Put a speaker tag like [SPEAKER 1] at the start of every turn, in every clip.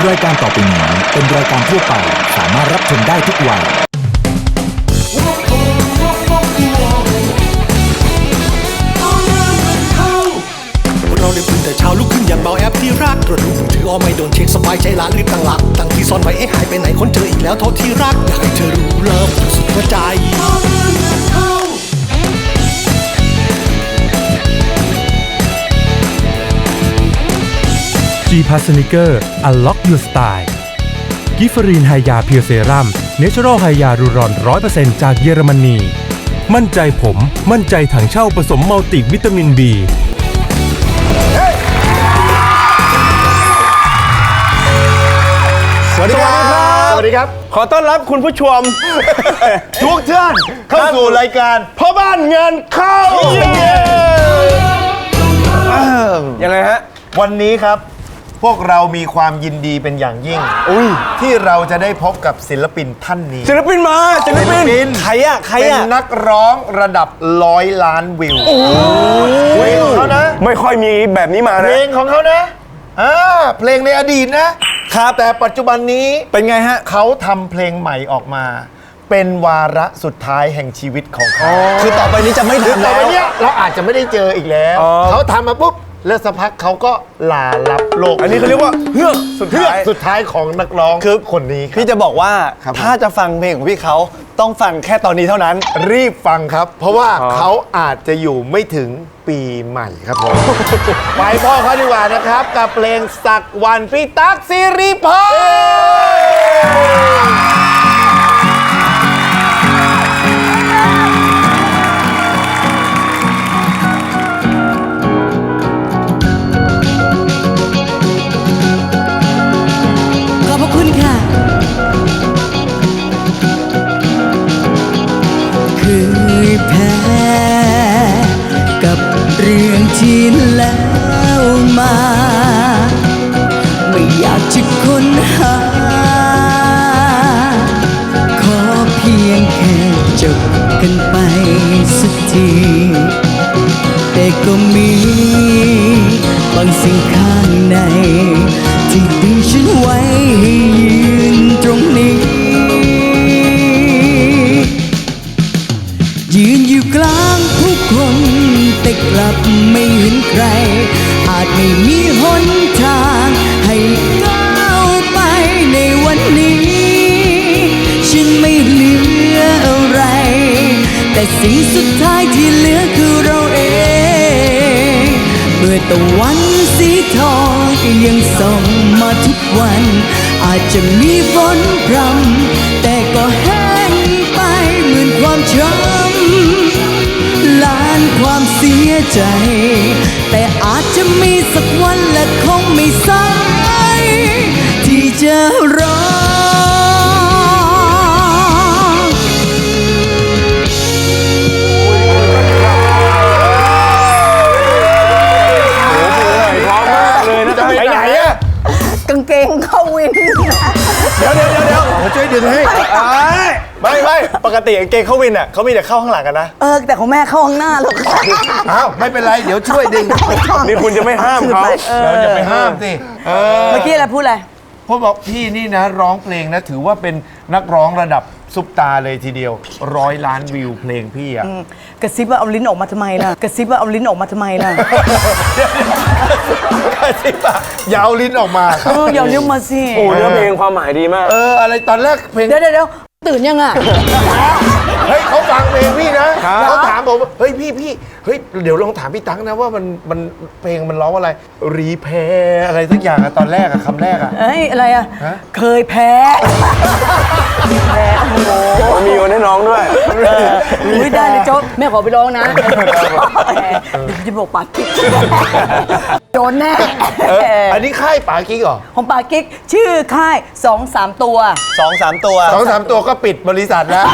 [SPEAKER 1] รายการต่อไปนี้เป็นรายการทั่วไปสามารถรับชมได้ทุกวัย
[SPEAKER 2] เราได้ตื่นแต่เช้าลุกขึ้นอย่างเบาแอปที่รักตรวจดูมือถือไม่โดนเช็คสบายใจละรีบตั้งหลักตั้งที่ซ่อนไว้หายไปไหนคนเจออีกแล้วโทษที่รักอยากให้เธอรู้เลิฟสุดหัวใจ
[SPEAKER 3] G-Pass Sneaker Unlock Your Style กิฟฟรีนไฮยาเพียวเซรั่มเนเชอรัลไฮยารูรอน 100% จากเยอรมนีมั่นใจผมมั่นใจถังเช่าผสมมัลติวิตามิน B
[SPEAKER 4] สวัสดีครับ สวัสดีครับ
[SPEAKER 5] ขอต้อนรับคุณผู้ชม
[SPEAKER 4] ทุกท่านเข้าสู่รายการ
[SPEAKER 5] พ่อบ้านเงินเข้ายังไงฮะ
[SPEAKER 4] วันนี้ครับ พวกเรามีความยินดีเป็นอย่างยิ่งที่เราจะได้พบกับศิลปินท่านนี้
[SPEAKER 5] ศิลปินมาศิลปินใครอะ
[SPEAKER 4] เป็นนักร้องระดับ100 ล้านวิวเพลงของเขานะ
[SPEAKER 5] ไม่ค่อยมีแบบนี้มา
[SPEAKER 4] เพ
[SPEAKER 5] นะ
[SPEAKER 4] ลงของเขานะเพลงในอดีตนะครับแต่ปัจจุบันนี้
[SPEAKER 5] เป็นไงฮะ
[SPEAKER 4] เขาทำเพลงใหม่ออกมา เป็นวาระสุดท้ายแห่งชีวิตของเขา
[SPEAKER 5] คือต่อไปนี้จะไม่
[SPEAKER 4] คือ
[SPEAKER 5] ทำ
[SPEAKER 4] ต่อ
[SPEAKER 5] แล้ว
[SPEAKER 4] ไปเนี้ยเราอาจจะไม่ได้เจออีกแล้ว เขาทำมาปุ๊บแล้วสักพักเขาก็ลาลับโลก
[SPEAKER 5] อันนี้เขาเรียกว่าเฮือกสุด
[SPEAKER 4] เพื่อ
[SPEAKER 5] ท้าย
[SPEAKER 4] สุดท้ายของนักร้องคือคนนี้ครับ
[SPEAKER 5] พี่จะบอกว่า
[SPEAKER 4] ครับ
[SPEAKER 5] ถ้าจะฟังเพลงของพี่เขาต้องฟังแค่ตอนนี้เท่านั้น
[SPEAKER 4] รีบฟังครับ เพราะว่าเขาอาจจะอยู่ไม่ถึงปีใหม่ครับผม ไปพ่อเขาดีกว่านะครับ กับเพลงสักวันพี่ตั๊กสิริพร
[SPEAKER 6] ขอบพระคุณค่ะเคยแพ้กับเรื่องที่แล้วมา ไม่อยากจะค้นหา ขอเพียงแค่จบกันไปสักที แต่ก็มีบางสิ่งข้างใน ที่ดึงฉันไว้ให้ยืนตรงนี้ ยืนอยู่กลางผู้คนแต่กลับไม่เห็นใคร อาจไม่มีหนทางให้ก้าวไปในวันนี้ ฉันไม่เหลืออะไร แต่สิ่งสุดท้ายที่เหลือคือเราเอง เมื่อตะวันสีทองก็ยังส่องมาทุกวัน อาจจะมีฝนพรำแต่ก็แห้งไปเหมือนความช้ำล้านความเสียใจ แต่อาจจะมีสักวันและคงไม่สายที่จะรอ
[SPEAKER 5] ไปไหนอะ
[SPEAKER 7] กางเกงเข้าวิน
[SPEAKER 5] เดี๋ยว
[SPEAKER 4] ช่วยดึงให้
[SPEAKER 5] ไม่ปกติกางเกงเข้าวินอ่ะเขามีแต่เข้าข้างหลังกันนะ
[SPEAKER 7] แต่ของแม่เข้าข้างหน้าหรอกค่ะ
[SPEAKER 4] อ้าวไม่เป็นไร เดี๋ยวช่วยดึง
[SPEAKER 5] นี่คุณจะไม่ห้ามเขา
[SPEAKER 4] เราจะไปห้ามสิ
[SPEAKER 7] เมื่อกี้อะไรพูดอะไร
[SPEAKER 4] พวกบอกพี่นี่นะร้องเพลงนะถือว่าเป็นนักร้องระดับซุปตาเลยทีเดียว100 ล้านวิวเพลงพี่อะ
[SPEAKER 7] กระซิบว่าเอาลิ้นออกมาทำไมล่ะ กระซิบว่าเอาลิ้นออกมาทำไมล่ะ
[SPEAKER 4] อย่าเอาลิ้นออกมา
[SPEAKER 7] อย่าเลี้ยวมาสิ
[SPEAKER 5] โอ้เนื้อเพลงความหมายดีมาก
[SPEAKER 4] อะไรตอนแรกเพลง
[SPEAKER 7] เดี๋ยวตื่นยังอ่ะ
[SPEAKER 4] เฮ้ยเขาฟังเพลงพี่นะเขาถามผมเฮ้ยพี่เฮ้ยเดี๋ยวลองถามพี่ตั๊กนะว่ามันเพลงมันร้องอะไรรีแพร์อะไรสักอย่างอะตอนแรกอะคำแรกอะ
[SPEAKER 7] เอ้ยอะไรอ่ะ เคยแพ้
[SPEAKER 5] มีวันให้น้องด้วย
[SPEAKER 7] อุ้ยได้เลยโจ๊กแม่ขอไปร้องนะเดี๋ยวจะบอกปากกิ๊กโดนแน่
[SPEAKER 4] อันนี้ค่ายป๋ากิ๊กเหรอ
[SPEAKER 7] ของปากกิ๊กชื่อค่าย 2-3 ตัว
[SPEAKER 5] 2-3 ตัว
[SPEAKER 4] 2-3 ตัวก็ปิดบริษัทแล้ว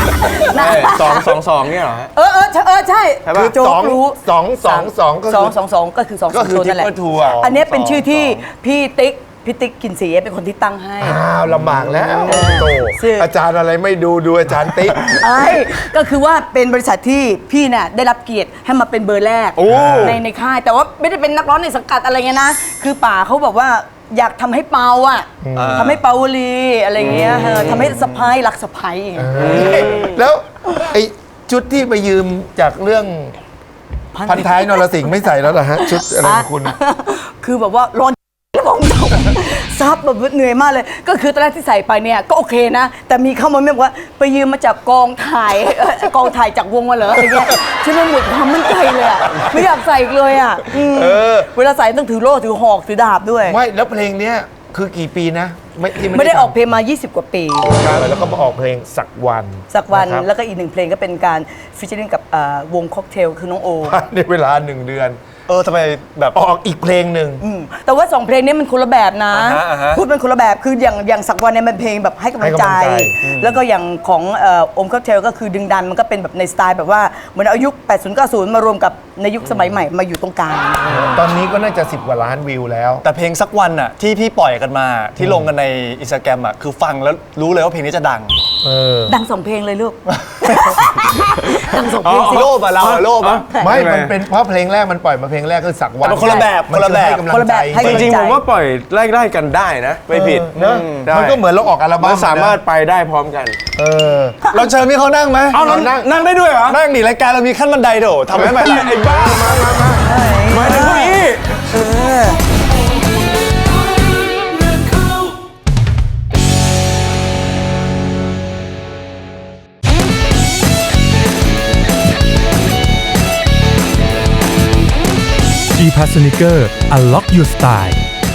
[SPEAKER 5] 2-2-2เนี่ยเหรอฮะ
[SPEAKER 7] ใช่
[SPEAKER 4] คือ
[SPEAKER 7] โจ๊กรู้
[SPEAKER 4] 2-2-2ก็คือ
[SPEAKER 7] 2-2-2ก็คือ2
[SPEAKER 4] ก็คือ
[SPEAKER 7] ตัวนั่นแหละ
[SPEAKER 4] Triple Two อะ
[SPEAKER 7] อันนี้เป็นชื่อที่พี่ติ๊กกินสีเป็นคนที่ตั้งให้
[SPEAKER 4] อ้าวลำบากแล้วโต
[SPEAKER 7] ซึ่ง
[SPEAKER 4] อาจารย์อะไรไม่ดูอาจารย์ติ๊ก
[SPEAKER 7] ก็คือว่าเป็นบริษัทที่พี่น่ะได้รับเกียรติให้มาเป็นเบอร์แรกในค่าย แต่ว่าไม่ได้เป็นนักร้องในสังกัดอะไรเงี้ยนะ คือป่าเขาบอกว่าอยากทำให้เปาอ่ะทำให้เปาวลีอะไรเงี้ยทำให้สะพ้ายรักสะพ้ายอย่างเงี้ย
[SPEAKER 4] แล้วไอ้ชุดที่ไปยืมจากเรื่องพันท้ายนรสิงห์ไม่ใส่แล้วเหรอฮะ ชุดอะไรของคุณ
[SPEAKER 7] คือแบบว่าร้อนแล้วบอกตรงซับแบบเหนื่อยมากเลย ก็คือตอนแรกที่ใส่ไปเนี่ยก็โอเคนะ แต่มีเข้ามาบอกว่าไปยืมมาจากกองถ่ายกองถ่ายจากวงมาเหรออะไรเงี้ยฉันมันหมดความมั่นใจเลยอะไม่อยากใส่อีกเลยอะเวลาใส่ต้องถือโล่ถือหอกถือดาบด้วย
[SPEAKER 4] ไม่แล้วเพลงเนี้ยคือกี่ปีนะที่
[SPEAKER 7] ไม่ได้ออกเพลงมา 20 กว่าปี
[SPEAKER 4] แล้วก็มาออกเพลงสักวัน
[SPEAKER 7] สักวันะครับ
[SPEAKER 4] แล้
[SPEAKER 7] แล้ว วก็อีกหนึ่งเพลงก็เป็นการฟิชเชอร์กับวงค็อกเทลคือน้องโอ
[SPEAKER 4] ในเวลา1 เดือน
[SPEAKER 5] ทำไมแบบ
[SPEAKER 4] ออกอีกเพลงหนึ่ง
[SPEAKER 7] แต่ว่า2เพลงนี้มันคนละแบบนะ
[SPEAKER 5] อ่าฮะ
[SPEAKER 7] พูดเป็นคนละแบบคืออย่างสักวันเนี่ยมันเพลงแบบให้กำลังใจ
[SPEAKER 4] ให้กำลังใจ
[SPEAKER 7] แล้วก็อย่างของโอมค็อกเทลก็คือดึงดันมันก็เป็นแบบในสไตล์แบบว่าเหมือนเอายุค 80 90 มารวมกับในยุคสมัยใหม่มาอยู่ตรงกลาง
[SPEAKER 4] ตอนนี้ก็น่าจะ10 กว่าล้านวิวแล้ว
[SPEAKER 5] แต่เพลงสักวันอะที่พี่ปล่อยกันมาที่ลงกันในอินสตาแกรมอะคือฟังแล้วรู้เลยว่าเพลงนี้จะดัง
[SPEAKER 7] ดัง2เพลงเลยลูก ดัง2เพลงสิ
[SPEAKER 5] โลภอะเราอะโลภอะ
[SPEAKER 4] ไม่ มันเป็นเพราะเพลงแรกมันปล่อยมาเพลงแรกคือสักวัน
[SPEAKER 5] แต่มันคนละแบบ
[SPEAKER 4] มัน
[SPEAKER 5] คนละแบบ
[SPEAKER 4] ให้กำลัง
[SPEAKER 7] คนละ
[SPEAKER 4] ใจ
[SPEAKER 7] แบบให้
[SPEAKER 8] จริงๆผมว่าปล่อยไล่ๆกันได้นะ ไม่ผิด
[SPEAKER 4] เนอะ
[SPEAKER 8] ได้
[SPEAKER 4] มันก็เหมือนเราออกอัลบั้
[SPEAKER 8] มั
[SPEAKER 4] ม
[SPEAKER 8] นสามารถไปได้พร้อมกัน
[SPEAKER 5] เราเชิญพี่เขานั่งไหม
[SPEAKER 8] เอาเรานั่งได้ด้วยเหรอ
[SPEAKER 5] นั่งดิรายการเรามีขั้นบันไดโดทำให้มัน
[SPEAKER 8] ไอ้บ้ามาถึงเก้าอี้
[SPEAKER 3] G Pass Sneaker Unlock Your Style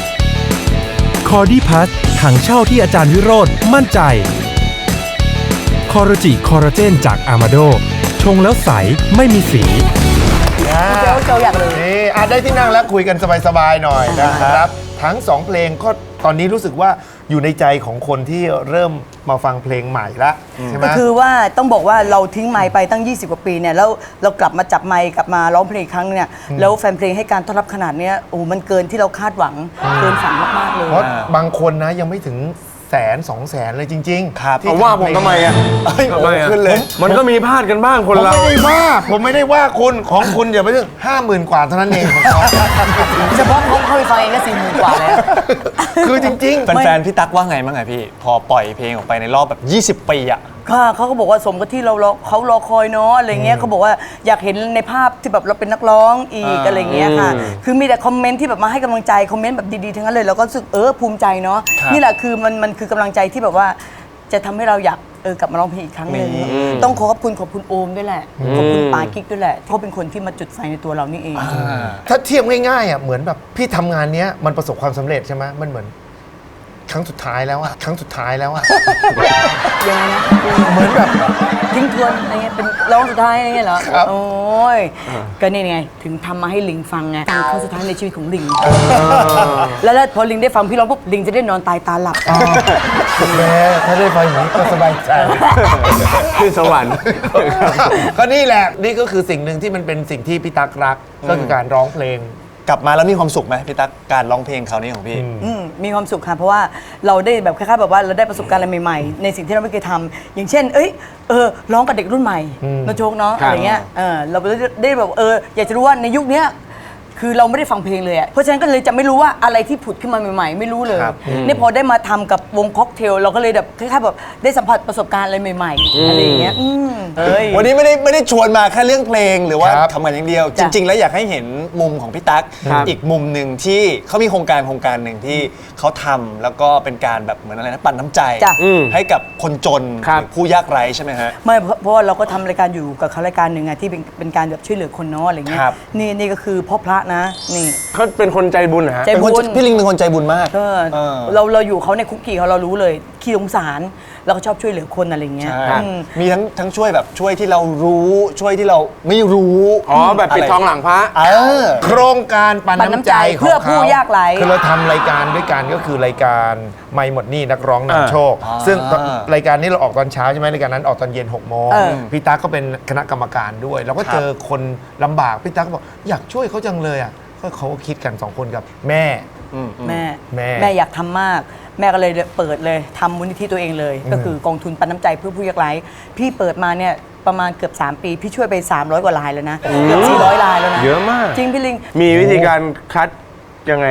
[SPEAKER 3] Cordy Pass ถังเช่าที่อาจารย์วิโรธมั่นใจคอร์จิคอลลาเจนจากอามาโดชงแล้วใสไม่มีสี
[SPEAKER 7] เจ้าอยากเลย
[SPEAKER 4] นี่ได้ที่นั่งแล้วคุยกันสบายๆหน่อยนะครับ ทั้ง 2 เพลงก็ตอนนี้รู้สึกว่าอยู่ในใจของคนที่เริ่มมาฟังเพลงใหม่ละใช่ไหม
[SPEAKER 7] ก็คือว่าต้องบอกว่าเราทิ้งไมค์ไปตั้ง 20 กว่าปีเนี่ยแล้วเรากลับมาจับไมค์กลับมาร้องเพลงอีกครั้งเนี่ยแล้วแฟนเพลงให้การต้อนรับขนาดเนี้ยโอ้มันเกินที่เราคาดหวังเกินฝันมากๆเลย
[SPEAKER 4] เพราะบางคนนะยังไม่ถึง100,000-200,000เลยจริงๆ
[SPEAKER 5] ครับ
[SPEAKER 4] ที่
[SPEAKER 8] ผมว่าผมทำไมอ่ะ
[SPEAKER 5] ทำไมอะ
[SPEAKER 8] ขึ้นเลย มันก็มีพลาดกันบ้างคนเรา
[SPEAKER 4] ผมไม่ได้ว่าคุณของคุณอย่าไปถึง50,000 กว่าเท่านั้นเองของเขา
[SPEAKER 7] เฉพาะเขาไปฟังเองก็40,000 กว่าแล้ว
[SPEAKER 4] คือจริง
[SPEAKER 5] แฟนๆพี่ตั๊กว่าไงบ้างไงพี่ พอปล่อยเพลงออกไปในรอบแบบ 20 ปีอะ
[SPEAKER 7] ค่ะเขาก็บอกว่าสมกับที่เรารอเขารอคอยเนาะอะไรเงี้ยเขาบอกว่าอยากเห็นในภาพที่แบบเราเป็นนักร้องอีกอะไรเงี้ยค่ะ คือมีแต่คอมเมนต์ที่แบบมาให้กำลังใจคอมเมนต์แบบดีๆทั้งนั้นเลยเราก็รู้สึกภูมิใจเนาะนี่แหละคือมันคือกำลังใจที่แบบว่าจะทำให้เราอยากกลับมาร้องเพลงอีกครั้งหนึ่งต้องขอบคุณโอมด้วยแหละขอบคุณปากิ๊กด้วยแหละเขาเป็นคนที่มาจุดไฟในตัวเรานี่เอง
[SPEAKER 4] ๆ ถ้าเทียบง่ายๆอ่ะเหมือนแบบพี่ทำงานเนี้ยมันประสบความสำเร็จใช่ไหมมันเหมือนครั้งสุดท้ายแล้วอะครั้งสุดท้ายแล้วอะ
[SPEAKER 7] ยังไงนะ
[SPEAKER 4] เหมือนแบบ
[SPEAKER 7] ทิ้งทวนอะไรเงี้ยเป็นร้องสุดท้ายอะไรเงี้ยเหรอ
[SPEAKER 4] ครับ
[SPEAKER 7] โอ้ยก็นี่ไงถึงทำมาให้ลิงฟังไงการครั้งสุดท้ายในชีวิตของลิงแล้วพอลิงได้ฟังพี่ร้องปุ๊บลิงจะได้นอนตายตาหลับ
[SPEAKER 4] แม่ถ้าได้ฟังอย่างนี้ก็สบายใจ
[SPEAKER 8] ขึ้นสวรรค์
[SPEAKER 4] ก็นี่แหละนี่ก็คือสิ่งหนึ่งที่มันเป็นสิ่งที่พี่ตั๊กรักก็คือการร้องเพลง
[SPEAKER 5] กลับมาแล้วมีความสุขไหมพี่ตั๊กการร้องเพลงคราวนี้ของพี่
[SPEAKER 7] มีความสุขค่ะเพราะว่าเราได้แบบคล้ายๆแบบว่าเราได้ประสบการณ์อะไรใหม่ๆ ในสิ่งที่เราไม่เคยทำอย่างเช่นร้องกับเด็กรุ่นใหม่นะโชคเนาะ
[SPEAKER 8] ครับ
[SPEAKER 7] อะไรเงี้ยเราได้แบบอยากจะรู้ว่าในยุคเนี้ยคือเราไม่ได้ฟังเพลงเลยอะเพราะฉะนั้นก็เลยจะไม่รู้ว่าอะไรที่ผุดขึ้นมาใหม่ๆ ไม่รู้เลยนี่พอได้มาทำกับวงค็อกเทลเราก็เลยแบบคล้ายๆแบบได้สัมผัสประสบการณ์อะไรใหม่ๆอะไรอย่างเงี้ย
[SPEAKER 5] วันนี้ไม่ได้ชวนมาแค่เรื่องเพลงหรือว่า
[SPEAKER 4] ครับ
[SPEAKER 5] ทำงานอย่างเดียว จ
[SPEAKER 7] จ้ะ
[SPEAKER 5] ริง ๆ แล้วอยากให้เห็นมุมของพี่ตั๊ก
[SPEAKER 8] ครับ
[SPEAKER 5] อีกมุมหนึ่งที่เขามีโครงการหนึ่งที่เขาทำแล้วก็เป็นการแบบเหมือนอะไรนะปั่นน้ำใจ
[SPEAKER 7] จ้ะ
[SPEAKER 5] ให้กับคนจน
[SPEAKER 8] ครับ
[SPEAKER 5] หรือผู้ยากไร้ใช่ไหมฮะ
[SPEAKER 7] ไม่เพราะว่าเราก็ทำรายการอยู่กับเขารายการหนึ่งอะที่เป็นการแบบช่วยเหลือคนเนาะอะไรเงี้ย
[SPEAKER 5] ครับ
[SPEAKER 7] นี่ก็คือพ่อพระนะนี่
[SPEAKER 8] เขาเป็นคนใจบุญนะฮะ
[SPEAKER 7] ใจ
[SPEAKER 5] เป็นคนพี่ลิงเป็นคนใจบุญมาก
[SPEAKER 7] ก็
[SPEAKER 5] เออ
[SPEAKER 7] เราอยู่เขาในคุกกี้เขาเรารู้เลยขี้สงสารเราก็ชอบช่วยเหลือคนอะไรเงี้ย
[SPEAKER 5] ใช่
[SPEAKER 7] อืม
[SPEAKER 5] มีทั้งช่วยแบบช่วยที่เรารู้ช่วยที่เราไม่รู้
[SPEAKER 8] อ๋อ แบบปิดทองหลังพระ
[SPEAKER 4] โครงการปันน้ำใจของ
[SPEAKER 7] เพื่อผู้
[SPEAKER 4] เขา
[SPEAKER 7] ยากไร้
[SPEAKER 4] คือเราทำรายการด้วยกันก็คือรายการไม่หมดหนี้นักร้องนำโชค
[SPEAKER 5] อ่า
[SPEAKER 4] ซึ่งรายการนี้เราออกตอนเช้าใช่ไหมรายการนั้นออกตอนเย็น6 โมง
[SPEAKER 7] เออ
[SPEAKER 4] พี่ตั๊กก็เป็นคณะกรรมการด้วย เราก็เจอคนลำบากพี่ตั๊กก็บอกอยากช่วยเขาจังเลยอ่ะก็เขาก็คิดกัน2 คนกับแม่
[SPEAKER 7] แม่
[SPEAKER 4] แม่
[SPEAKER 7] แม่อยากทำมาก แม่ก็เลยเปิดเลยทำมูลนิธิตัวเองเลย ก็คือกองทุนปันน้ำใจเพื่อผู้ยากไร้พี่เปิดมาเนี่ยประมาณเกือบ3 ปี พี่ช่วยไป300 กว่ารายแล้วนะเกือบ400 รายแล้วนะ
[SPEAKER 8] เยอะมาก
[SPEAKER 7] จริงพี่ลิง
[SPEAKER 8] มีวิธีการคัดยังไงฮะ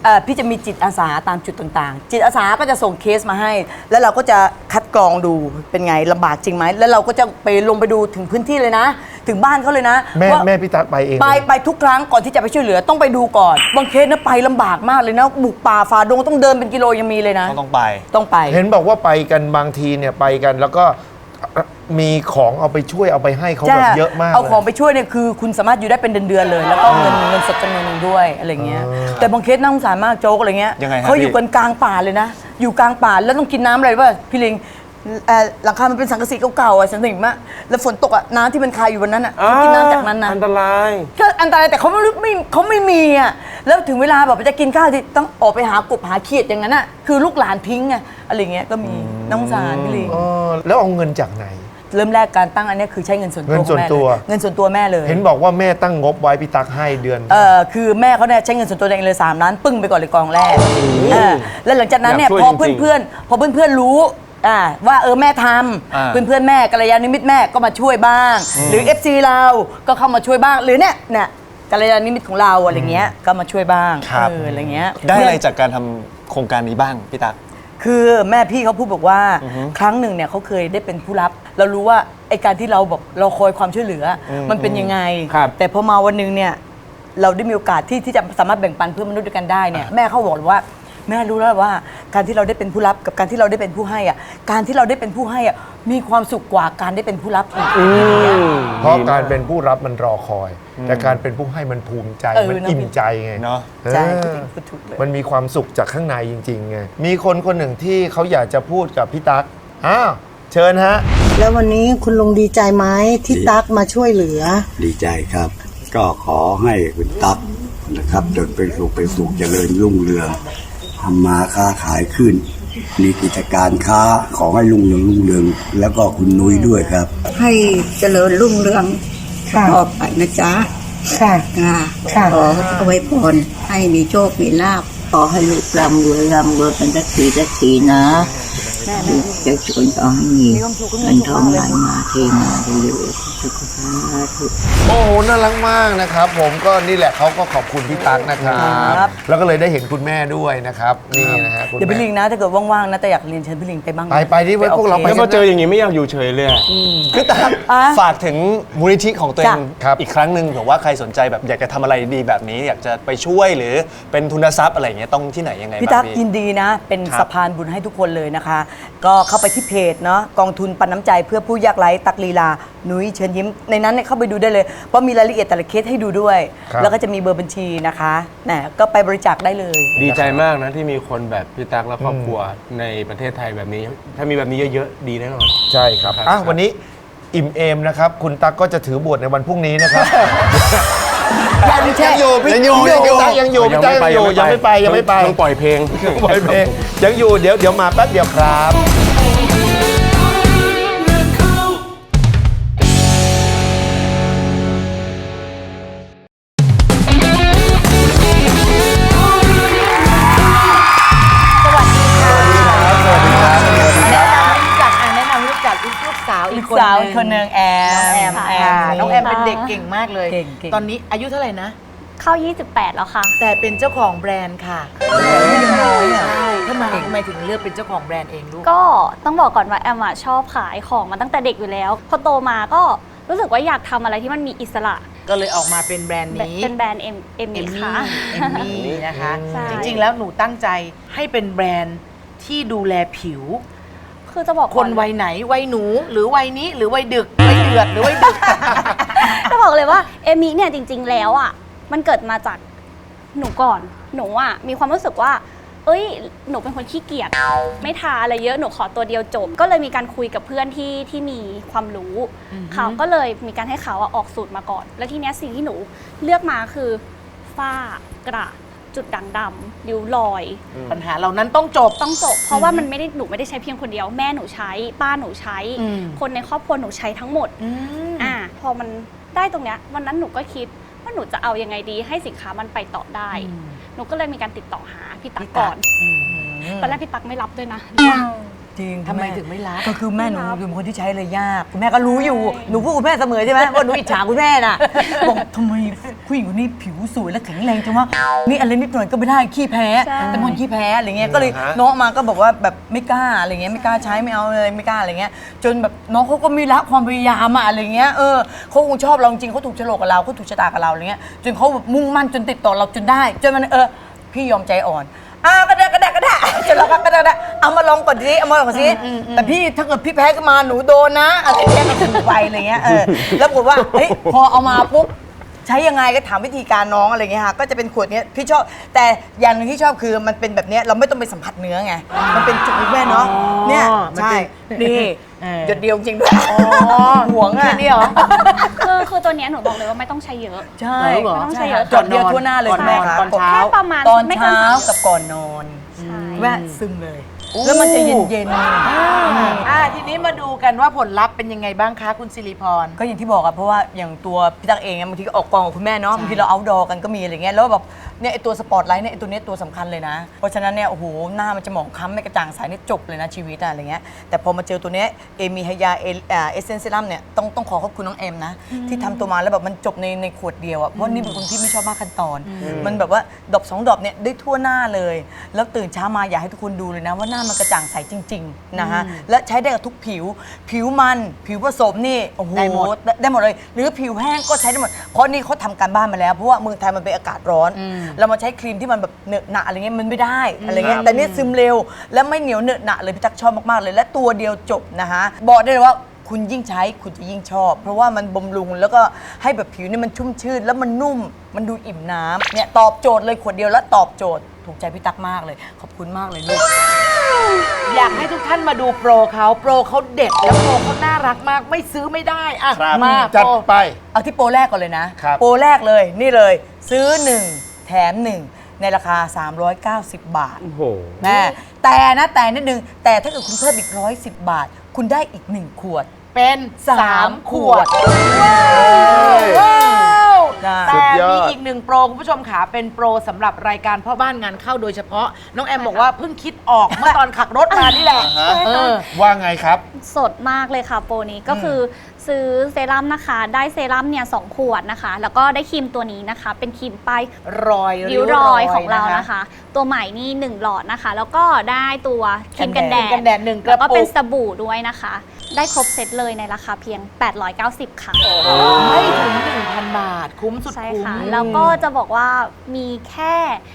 [SPEAKER 7] พี่จะมีจิตอาสาตามจุดต่างๆ จิตอาสาก็จะส่งเคสมาให้ แล้วเราก็จะคัดกรองดูเป็นไงลำบากจริงไหมแล้วเราก็จะไปลงไปดูถึงพื้นที่เลยนะ ถึงบ้านเขาเลยนะ
[SPEAKER 4] แม่
[SPEAKER 7] ว่า
[SPEAKER 4] แม่พี่ตั๊กไปเอง
[SPEAKER 7] ไปทุกครั้งก่อนที่จะไปช่วยเหลือต้องไปดูก่อนบางเคสนะไปลำบากมากเลยนะบุกป่าฝ่าดงต้องเดินเป็นกิโลยังมีเลยนะ
[SPEAKER 5] ต้องไป
[SPEAKER 7] ต้องไป
[SPEAKER 4] เห็นบอกว่าไปกันบางทีเนี่ยไปกันแล้วก็มีของเอาไปช่วยเอาไปให้เขาแบบเยอะมาก
[SPEAKER 7] เอาของ
[SPEAKER 4] ลย
[SPEAKER 7] ไปช่วยเนี่ยคือคุณสามารถอยู่ได้เป็นเดือนๆเลย แล้วก็เงินสดจำนวนหนึ่งด้วยอะไรเงี้ยแต่บางเคสน่าสงสารมากโจ๊กอะไรเงี้ย
[SPEAKER 5] ยังไงฮะ
[SPEAKER 7] เขาอยู่
[SPEAKER 5] พี่
[SPEAKER 7] กันกลางป่าเลยนะ อยู่กลางป่าแล้วต้องกินน้ำอะไรป่ะพี่ลิงหลังคามันเป็นสังกะสีเก่าๆอ่ะสันนิษฐานว่าแล้วฝนตกอ่ะน้ำที่มันคายอยู่บนนั้นอ่ะเขากินน้ำจากนั้นนะ
[SPEAKER 8] อันตราย
[SPEAKER 7] ก็อันตรายแต่เขาไม่มีอ่ะแล้วถึงเวลาแบบจะกินข้าวที่ต้องออกไปหากบหาเขียดอย่างนั้นอ่ะคือลูกหลานทิ้งไงอะไรเงี้ยก็มีน้องสารพี่ลิง
[SPEAKER 4] แล้วเอาเงินจากไหน
[SPEAKER 7] เริ่มแรกการตั้งอันเนี้ยคือใช้เงินส่วนตัว
[SPEAKER 4] เงินส่วน
[SPEAKER 7] ของแม่
[SPEAKER 4] ตัว
[SPEAKER 7] เลยเงินส่วนตัวแม่เลย
[SPEAKER 4] เห็นบอกว่าแม่ตั้งงบไว้พี่ตั๊กให้เดือน
[SPEAKER 7] คือแม่เขาเนี่ยใช้เงินส่วนตัวเองเลย3 ล้านปึ้งไปก่อนเลยกองแรกแล้วหลังจากนั้นเนี่ย
[SPEAKER 8] อยาก
[SPEAKER 7] พ
[SPEAKER 8] ช่
[SPEAKER 7] อ
[SPEAKER 8] วยจริงๆ
[SPEAKER 7] เพื่อนๆรู้ว่าแม่ทำเพื่อนๆแม่กัลยาณมิตรแม่ก็มาช่วยบ้าง หรือ FC เราก็เข้ามาช่วยบ้างหรือเนี่ยกัลยาณมิตรของเราอะไรเงี้ยก็มาช่วยบ้างอะไรเงี้ย
[SPEAKER 5] ได้อะไรจากการทำโครงการนี้บ้างพี่ตั๊ก
[SPEAKER 7] คือแม่พี่เขาพูดบอกว่าครั้งหนึ่งเนี่ยเขาเคยได้เป็นผู้รับ เรารู้ว่าไอการที่เราแบบเราคอยความช่วยเหลืออมันเป็นยังไง
[SPEAKER 8] ครับ
[SPEAKER 7] แต่พอมาวันหนึงเนี่ยเราได้มีโอกาสที่จะสามารถแบ่งปันเพื่อนมนุษย์ด้วยกันได้เนี่ยแม่เขาบอกเลยว่าแม่รู้แล้วว่าการที่เราได้เป็นผู้รับกับการที่เราได้เป็นผู้ให้อ่ะการที่เราได้เป็นผู้ให้อ่ะมีความสุขกว่าการได้เป็นผู้รับอีก
[SPEAKER 4] เพราะการเป็นผู้รับมันรอคอย แต่การเป็นผู้ให้มันภูมิใจมันอิ่มใจไง
[SPEAKER 5] เนอะ
[SPEAKER 7] ใช่
[SPEAKER 4] เออ
[SPEAKER 7] พูดถูกเลย
[SPEAKER 4] มันมีความสุขจากข้างในจริงๆไงมีคนหนึ่งที่เขาอยากจะพูดกับพี่ตั๊กอ้าวเชิญฮะ
[SPEAKER 9] แล้ววันนี้คุณลุงดีใจไหมที่ตั๊กมาช่วยเหลือ
[SPEAKER 10] ดีใจครับ ก็ขอให้คุณตั๊กนะครับจนเป็นสุขเจริญรุ่งเรืองทำมาค้าขายขึ้น มีกิจการค้าขอให้รุ่งเรืองแล้วก็คุณนุ้ยด้วยครับ
[SPEAKER 9] ให้เจริญรุ่งเรืองต่อไปนะจ๊ะค่ะขออวยพรให้มีโชคมีลาภขอให้ลูกร่ำรวยเป็นสักทีนะลูกจะชวนต่อให้มีเงินทองไหลมาเทมาเร็วๆสุขภาพทุก
[SPEAKER 4] โอ้โหน่ารักมากนะครับผมก็นี่แหละเขาก็ขอบคุณพี่ตั๊กนะครับแล้วก็เลยได้เห็นคุณแม่ด้วยนะครับนี่นะฮะคุณ
[SPEAKER 7] เดี๋ยวพี่ลิ
[SPEAKER 4] แม่
[SPEAKER 7] งนะถ้าเกิดว่างๆนะแต่อยากเรียนเชิญพี่ลิงไปบ้างนะ
[SPEAKER 4] ไปที่ไว้พวกเราไป
[SPEAKER 8] แล้วพอเจออย่างนี้ไม่อยากอยู่เฉยเลยอะ
[SPEAKER 5] พี่ตั๊กฝากถึงมูลนิธิของตัวเอง
[SPEAKER 4] ครับ
[SPEAKER 5] อีกครั้งหนึ่งเผื่อว่าใครสนใจแบบอยากจะทำอะไรดีแบบนี้ อยากจะไปช่วยหรือเป็นทุนทรัพย์อะไรอย่างเงี้ยต้องที่ไหนยังไง
[SPEAKER 7] พี่
[SPEAKER 5] บ้า
[SPEAKER 7] ตั๊
[SPEAKER 5] ง
[SPEAKER 7] ก
[SPEAKER 5] พี่
[SPEAKER 7] ยินดีนะ เป็น
[SPEAKER 5] ครับ
[SPEAKER 7] สะพานบุญให้ทุกคนเลยนะคะ ก็เข้าไปที่เพจเนาะกองทุนปันน้ำใจเพื่อผู้ยากไร้ตักลีลานุ้ยเชิญยิ้มในนั้นเนี่ยเข้าไปดูได้เลย เพราะมีรายละเอียดแต่ละเคสให้ดูด้วย
[SPEAKER 4] ครับ
[SPEAKER 7] แล้วก็จะมีเบอร์บัญชีนะคะก็ไปบริจาคได้เลย
[SPEAKER 8] ดีใจมากนะที่มีคนแบบพี่ตั๊กและครอบครัวในประเทศไทยแบบนี้ ถ้ามีแบบนี้เยอะๆ ดีแน่นอน
[SPEAKER 4] ใช่ครับอ่ะวันนี้อิ่มเอมนะครับคุณตั๊กก็จะถือบทในวันพรุ่งนี้นะครับยังอยู่พี่ตั๊กยังอยู่พี่ตั๊กยังไม่ไป
[SPEAKER 8] ต้องปล่อยเพลง
[SPEAKER 4] ปล่อยเพลงยังอยู่เดี๋ยวมาแป๊บเดียวครับ
[SPEAKER 11] แนะนำรู้จักลูกสาวอีกคน
[SPEAKER 7] สาวอีกคนหนึ่งแอม
[SPEAKER 11] น้องแอมเป็นเด็กเก่งมากเลย
[SPEAKER 7] เก่ง
[SPEAKER 11] ตอนนี้อายุเท่าไหร่นะ
[SPEAKER 12] เข้า 28 แล้วค่ะ
[SPEAKER 11] แต่เป็นเจ้าของแบรนด์ค่ะใช่ทำไมถึงเลือกเป็นเจ้าของแบรนด์เองลูก
[SPEAKER 12] ก็ต้องบอกก่อนว่าแอมอะชอบขายของมาตั้งแต่เด็กอยู่แล้ว พอโตมาก็รู้สึกว่าอยากทำอะไรที่มันมีอิสระ
[SPEAKER 11] ก็เลยออกมาเป็นแบรนด์นี้
[SPEAKER 12] เป็นแบรนด์เอ็มค่ะ
[SPEAKER 11] เอมมี่นะคะ
[SPEAKER 12] ใช่
[SPEAKER 11] จริงๆแล้วหนูตั้งใจให้เป็นแบรนด์ที่ดูแลผิว
[SPEAKER 12] คือจะบอก
[SPEAKER 11] คน
[SPEAKER 12] ก่อ
[SPEAKER 11] วัยไหนวัยหนูหรือวัยนี้หรือวัยดึกวัยเดือดหรือวัยดึก
[SPEAKER 12] จะบอกเลยว่าเอมมี่เนี่ยจริง ๆ แล้วอ่ะมันเกิดมาจากหนูก่อนหนูอ่ะมีความรู้สึกว่า เอ้ยหนูเป็นคนขี้เกียจไม่ทาอะไรเยอะหนูขอตัวเดียวจบ ก็เลยมีการคุยกับเพื่อนที่มีความรู้เขาก็เลยมีการให้เขาออกสูตรมาก่อน แล้วทีเนี้ยสิ่งที่หนูเลือกมาคือฝ้ากระจุดด่างดำริ้วรอย
[SPEAKER 11] ปัญหาเหล่านั้นต้องจบ
[SPEAKER 12] ต้องจบ เพราะว่ามันไม่ได้หนูไม่ได้ใช้เพียงคนเดียวแม่หนูใช้ป้าหนูใช้ คนในครอบครัวหนูใช้ทั้งหมดพอมันได้ตรงเนี้ยวันนั้นหนูก็คิดว่าหนูจะเอายังไงดีให้สินค้ามันไปต่อได้ หนูก็เลยมีการติดต่อหาพี่ตั๊กก่อนตอนแรกพี่ตั๊กไม่รับด้วยนะ
[SPEAKER 7] จริง
[SPEAKER 11] ทำไมถึงไม่รับ
[SPEAKER 7] ก็คือแม่หนูเป็นคนที่ใช้เลยยากคุณแม่ก็รู้อยู่หนูพูดคุณแม่เสมอใช่ไหมว่าหนูอิจฉาคุณแม่น่ะบอกทำไมผู้หญิงคนนี้ผิวสวยและแข็งแรงจังวะนี่อะไรนิดหน่อยก็ไม่ได้ขี้แพ้แต่คนขี้แพ้อะไรเงี้ยก็เลยน้องมาก็บอกว่าแบบไม่กล้าอะไรเงี้ยไม่กล้าใช้ไม่เอาเลยไม่กล้าอะไรเงี้ยจนแบบน้องเขาก็มีละความพยายามอะไรเงี้ยเขาคงชอบเราจริงเขาถูกโฉลกกับเราเขาถูกชะตากับเราอะไรเงี้ยจนเขาแบบมุ่งมั่นจนติดต่อเราจนได้จนมันพี่ยอมใจอ่อนกระดาจนเราก็กระดาเอามาลองก่อนสิเอามาลองก่อนสิแต่พี่ถ้าเกิดพี่แพ้ขึ้นมาหนูโดนนะอะไรเงี้ยก็ถูกไปอะไรเงี้ยแล้วบอกว่าเฮ้ยพอเอามาปุ๊บใช้ยังไงก็ถามวิธีการน้องอะไรเงี้ยค่ะก็จะเป็นขวดเนี้ยพี่ชอบแต่อย่างหนึงที่ชอบคือมันเป็นแบบเนี้ยเราไม่ต้องไปสัมผัสเนื้อไงมันเป็นจุกแม่เนาะเนี่ยใช่นี่หยดเดียวจริงด้วยห่วงอ่ะนี่เหรอ
[SPEAKER 12] คือตัวเนี้ยหนูบอกเลยว่าไม่ต้องใช้เยอะ
[SPEAKER 7] ใช่
[SPEAKER 12] ไม่ต้องใช้เยอะ
[SPEAKER 7] หยดเดียวทั่วหน้าเลยแม่ค่ะ
[SPEAKER 12] แค่ประมาณ
[SPEAKER 7] ตอน
[SPEAKER 12] ไม่เกิน
[SPEAKER 7] เช้า
[SPEAKER 12] 3
[SPEAKER 7] กับก่อนนอนแวะซึมเลย แล้วมันจะเย็นๆ
[SPEAKER 11] ทีนี้มาดูกันว่าผลลัพธ์เป็นยังไงบ้างคะคุณสิริพร
[SPEAKER 7] ก็อย่างที่บอกอะเพราะว่าอย่างตัวพี่ตั๊กเองบางทีก็ออกกองกับคุณแม่เนาะบางทีเราเอาท์ดอร์กันก็มีอะไรเงี้ยแล้วแบบเนี่ยไอตัวสปอตไลท์เนี่ยไอตัวเนี้ยตัวสำคัญเลยนะเพราะฉะนั้นเนี่ยโอ้โหหน้ามันจะหมองคล้ำไม่กระจ่างใสนี่จบเลยนะชีวิตอะไรเงี้ยแต่พอมาเจอตัวเนี้ยเอมีไฮยาเอเซนเซรั่มเนี่ยต้องขอขอบคุณน้องเอ็มนะที่ทำตัวมาแล้วแบบมันจบในขวดเดียวอะเพราะนี่เป็นคนที่ไม่ชอบมากขั้นตอนมันแบบว่าดอก2 ดอกเนี่ยได้ทั่วหน้าเลยแล้วตื่นเช้ามาอยากให้ทุกคนดูเลยนะว่าหน้ามันกระจ่างใสจริงๆนะคะและใช้ได้กับทุกผิวมันผิวผสมนี่โอ้โหได้หมดเลยหรือผิวแห้งก็ใช้ได้หมดเพราะนี่เขาทำการบ้านมาแล้วเพราะว่าเมืองไทยมันเป็นอากาศร้อนเรามาใช้ครีมที่มันแบบเหนอะหนะอะไรเงี้ยมันไม่ได้อะไรเงี้ยแต่นี่ซึมเร็วและไม่เหนียวเหนอะหนะเลยพี่ตั๊กชอบมากๆเลยและตัวเดียวจบนะคะบอกได้เลยว่าคุณยิ่งใช้คุณจะยิ่งชอบเพราะว่ามันบำรุงแล้วก็ให้แบบผิวนี่มันชุ่มชื่นแล้วมันนุ่มมันดูอิ่มน้ำเนี่ยตอบโจทย์เลยขวดเดียวแล้วตอบโจทย์ถูกใจพี่ตั๊กมากเลยขอบคุณมากเลยลูก
[SPEAKER 11] อยากให้ทุกท่านมาดูโปรเขาเด็ดแล้วโปรเขาน่ารักมากไม่ซื้อไม่ได้อะ
[SPEAKER 4] ครับ
[SPEAKER 11] มา
[SPEAKER 4] จัด
[SPEAKER 11] โปร
[SPEAKER 4] ไป
[SPEAKER 7] เอาที่โปรแรกก่อนเลยนะครับ โปรแรกเลยนี่เลยซื้อ 1 แถม 1 ในราคา 390 บาท
[SPEAKER 8] โอ้โห
[SPEAKER 7] แม่แต่นิดนึงแต่ถ้าเกิดคุณเพิ่มอีก110 บาท คุณได้อีก 1 ขวด
[SPEAKER 11] เป็น
[SPEAKER 7] 3
[SPEAKER 11] ขวด
[SPEAKER 7] ว้าว
[SPEAKER 11] แต่มีอีกหนึ่งโปรคุณผู้ชมขาเป็นโปรสำหรับรายการพ่อบ้านงานเข้าโดยเฉพาะน้องแอมบอกว่าเพิ่งคิดออกเมื่อตอนขับรถมานี่แหละ
[SPEAKER 4] ว่าไงครับ
[SPEAKER 12] สดมากเลยค่ะโปรนี้ก็คือซื้อเซรั่มนะคะได้เซรั่มเนี่ย2 ขวดนะคะแล้วก็ได้ครีมตัวนี้นะคะเป็นครีมป้าย
[SPEAKER 11] รอย
[SPEAKER 12] ริ้วรอยของเรานะคะตัวใหม่นี่1 หลอดนะคะแล้วก็ได้ตัวครีมกันแดด
[SPEAKER 11] 1 ก
[SPEAKER 12] แล้
[SPEAKER 11] ระ
[SPEAKER 12] วก็
[SPEAKER 11] ปุ
[SPEAKER 12] เป็น
[SPEAKER 11] ก
[SPEAKER 12] สบู่ด้วยนะคะได้ครบเซตเลยในราคาเพียง890ค่ะ
[SPEAKER 11] ไม่ถึง 1,000 บาทคุ้มสุด
[SPEAKER 12] ใช่
[SPEAKER 11] คุ้ม
[SPEAKER 12] ค่ะแล้วก็จะบอกว่ามีแค่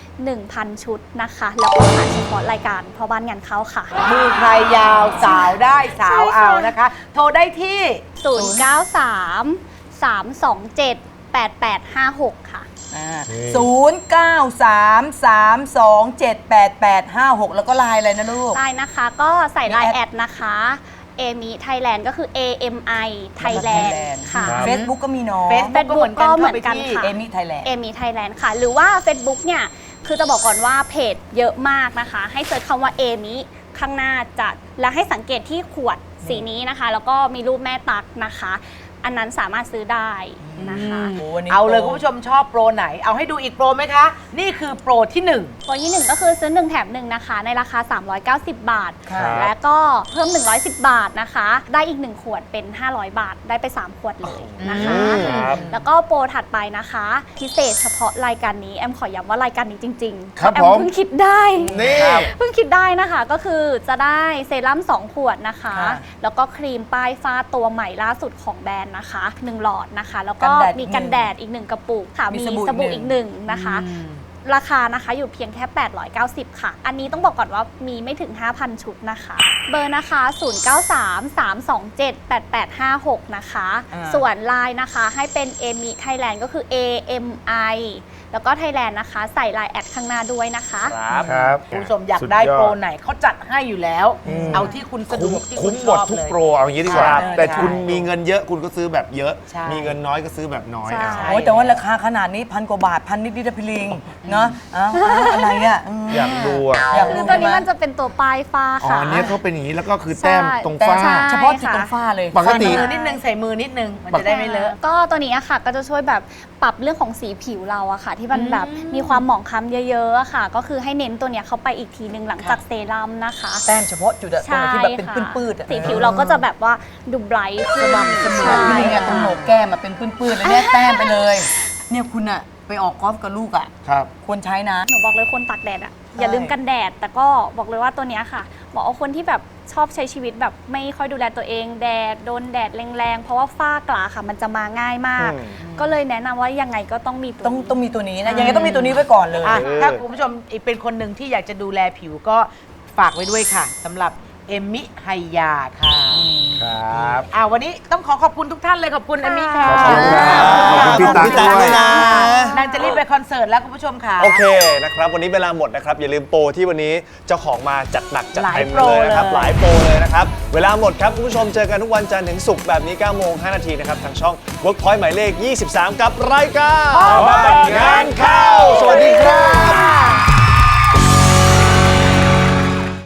[SPEAKER 12] 1,000 ชุดนะคะแล้วก็ขายเฉพาะรายการพ่อบ้านงานเข้าค่ะ
[SPEAKER 11] มือใครยาวสาวได้สาวเอานะคะ โทรได้ที่
[SPEAKER 12] 093 327 8856 ค่ะ
[SPEAKER 7] 0933278856 แล้วก็ไลน์อะไรนะลูก
[SPEAKER 12] ได้นะคะก็ใส่ไลน์แอดนะคะเอมิไทยแลนด์ก็คือ AMI Thailand ค่ะ
[SPEAKER 7] Facebook ก็มีเนาะ
[SPEAKER 12] Facebook ก็เหมือนกันค่ะ
[SPEAKER 7] เอมิไทยแลนด์
[SPEAKER 12] เอมิไทยแลนด์ค่ะ หรือว่า Facebook เนี่ย คือจะบอกก่อนว่าเพจเยอะมากนะคะ ให้เซิร์ชคำว่าเอมิข้างหน้าจัด แล้วให้สังเกตที่ขวดสีนี้นะคะ แล้วก็มีรูปแม่ตั๊กนะคะ อันนั้นสามารถซื้อได้นะคะ
[SPEAKER 11] เอาเลยคุณผู้ชมชอบโปรไหน เอาให้ดูอีกโปรไหมคะ นี่คือโปรที่ 1
[SPEAKER 12] โปรที่ 1 ก็คือซื้อ 1 แถม 1 นะคะ ในราคา 390 บาท
[SPEAKER 7] ครับ
[SPEAKER 12] และก็เพิ่ม 110 บาทนะคะ ได้อีก 1 ขวดเป็น 500 บาท ได้ไป 3 ขวดเลยนะคะ แล้วก็โปรถัดไปนะคะ พิเศษเฉพาะรายการนี้แอมขอย้ำว่ารายการนี้จริงๆ
[SPEAKER 4] ครับ
[SPEAKER 12] แอม
[SPEAKER 4] ผม
[SPEAKER 12] เพิ่งคิดได้
[SPEAKER 4] นี่
[SPEAKER 12] เพิ่งคิดได้นะคะ ก็คือจะได้เซรั่ม2 ขวดนะคะ แล้วก็ครีมป้ายฟ้าตัวใหม่ล่าสุดของแบรนด์นะคะ 1 หลอดนะคะ แล้วก็มีกันแดดอีก 1 กระปุกค่ะ มีสบู่อีก 1 นะคะ ราคานะคะอยู่เพียงแค่ 890 ค่ะ อันนี้ต้องบอกก่อนว่ามีไม่ถึง 5,000 ชุดนะคะ เบอร์นะคะ 0933278856 นะคะ ส่วนไลน์นะคะให้เป็น AMI Thailand ก็คือ AMI แล้วก็ไทยแลนด์นะคะ ใส่ไลน์แอดข้างหน้าด้วยนะคะ
[SPEAKER 4] ครับ
[SPEAKER 11] คุณผู้ชมอยากได้โปรไหนเขาจัดให้อยู่แล้ว เอาที่คุณสะดวกที่คุ
[SPEAKER 4] คุ้
[SPEAKER 11] ณ
[SPEAKER 4] ม
[SPEAKER 11] ช
[SPEAKER 4] หมด
[SPEAKER 11] อบ
[SPEAKER 4] ทุก
[SPEAKER 11] เลย
[SPEAKER 4] โปรเอาอย่างนี้ดีกว่า
[SPEAKER 11] ครับ
[SPEAKER 4] แต่
[SPEAKER 11] ใช่
[SPEAKER 4] คุณมีเงินเยอะคุณก็ซื้อแบบเยอะ
[SPEAKER 11] ใช่
[SPEAKER 4] มีเงินน้อยก็ซื้อแบบน้อย
[SPEAKER 12] ใช่
[SPEAKER 4] เอา
[SPEAKER 7] โอ้ยแต่ว่าราคาขนาดนี้1,000 กว่าบาท1,000 นิดๆนะพี่ลิงเนาะอะไรอ่ะ
[SPEAKER 4] อยากดูอ่ะ
[SPEAKER 7] อยากดู
[SPEAKER 12] คือตัวนี้มันจะเป็นตัวปลายฟ้า
[SPEAKER 4] อ๋อ
[SPEAKER 12] ค่ะ
[SPEAKER 4] อันนี้เขาเป็นอย่างนี้แล้วก็คือแต้ม
[SPEAKER 12] ใช่
[SPEAKER 4] ตรงฝ้า
[SPEAKER 12] ใช่
[SPEAKER 7] เฉพาะจุดตรงฝ้าเลย
[SPEAKER 4] ปกติ
[SPEAKER 11] ใส่มือนิดนึงใส่มือนิดนึงมันจะได้ไม่เลอะ
[SPEAKER 12] ก็ตัวนี้อะค่ะก็จะช่วยแบบปรับเรื่องของสีผิวเราอะค่ะ ที่มันแบบมีความหมองคล้ำเยอะๆอะค่ะ ก็คือให้เน้นตัวเนี้ยเข้าไปอีกทีหนึ่งหลังจากเซรั่มนะคะ
[SPEAKER 7] แต้มเฉพาะจุดอะตรงไหนที่แบบเป็น
[SPEAKER 12] ค่ะ
[SPEAKER 7] ปื้ดๆอะ
[SPEAKER 12] สีผิวเราก็จะแบบว่าดูไบรท์ขึ้น
[SPEAKER 7] เสมอ
[SPEAKER 12] ใช่
[SPEAKER 7] ที่นี่ไงตรงโหนกแก้มมาเป็นปื้นๆเลยเนี่ยแต้มไปเลย เนี่ยคุณอะไปออกกอล์ฟกับลูกอะ
[SPEAKER 4] ครับ
[SPEAKER 7] ควรใช้นะ
[SPEAKER 12] หนูบอกเลยคนตากแดดอะอย่าลืมกันแดด แต่ก็บอกเลยว่าตัวเนี้ยค่ะเหมาะกับคนที่แบบชอบใช้ชีวิตแบบไม่ค่อยดูแลตัวเองแดดโดนแดดแรงๆเพราะว่าฝ้ากระค่ะมันจะมาง่ายมาก ก็เลยแนะนำว่ายังไงก็ต้องมีตัว
[SPEAKER 7] ต้องมีตัวนี้นะยังไงต้องมีตัวนี้ไว้ก่อนเลย
[SPEAKER 11] อ่ะถ้าคุณผู้ชมอีกเป็นคนหนึ่งที่อยากจะดูแลผิวก็ฝากไว้ด้วยค่ะสำหรับเอมมิไฮยาค่ะ
[SPEAKER 4] ครับ
[SPEAKER 11] วันนี้ต้องขอบคุณทุกท่านเลยขอบคุณเอมมิค่ะ
[SPEAKER 4] ขอบคุณครับขอบคุณพี่ตั๊กด้วยนะ
[SPEAKER 11] นางจะรีบไปคอนเสิร์ตแล้วคุณผู้ชมค่ะ
[SPEAKER 5] โอเคนะครับวันนี้เวลาหมดนะครับอย่าลืมโปรที่วันนี้เจ้าของมาจัดหนักจัดเต็มเลยนะครับหลายโปรเลยนะครับเวลาหมดครับคุณผู้ชมเจอกันทุกวันจันทร์ถึงศุกร์แบบนี้9โมง5นาทีนะครับทางช่อง Workpoint หมายเลข 23 กับรายการ
[SPEAKER 4] บ้านงานเข้า
[SPEAKER 5] สวัสดีครับ